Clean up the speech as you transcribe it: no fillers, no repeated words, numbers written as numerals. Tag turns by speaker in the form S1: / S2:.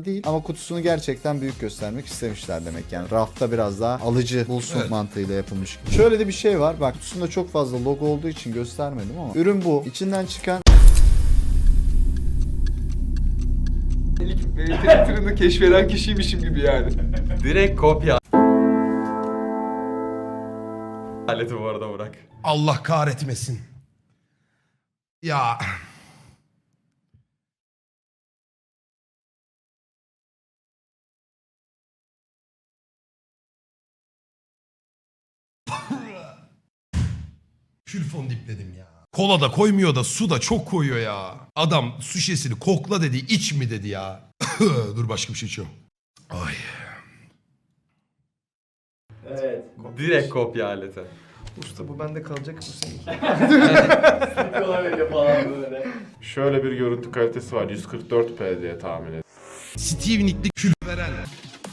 S1: falan değil ama kutusunu gerçekten büyük göstermek istemişler demek. Yani rafta biraz daha alıcı bulsun mantığıyla yapılmış. Şöyle de bir şey var. Bak kutusunda çok fazla logo olduğu için göstermedim ama ürün bu. İçinden çıkan
S2: İlk Twitter'ını keşfeden kişiymişim gibi yani.
S3: Direkt kopya. Aleti bu arada Burak.
S4: Allah kahretmesin. Ya. Külfon dipledim ya. Kola da koymuyor da su da çok koyuyor ya. Adam su şişesini kokla dedi, iç mi dedi ya. Dur başka bir şey içiyorum. Ay.
S5: Evet.
S3: Direkt kopya aleti.
S2: Usta bu bende kalacak mı seninki?
S5: Sıkıyorlar öyle falan böyle.
S6: Şöyle bir görüntü kalitesi var. 144p diye tahmin ediyorum.
S4: Steve Nick'li kül veren.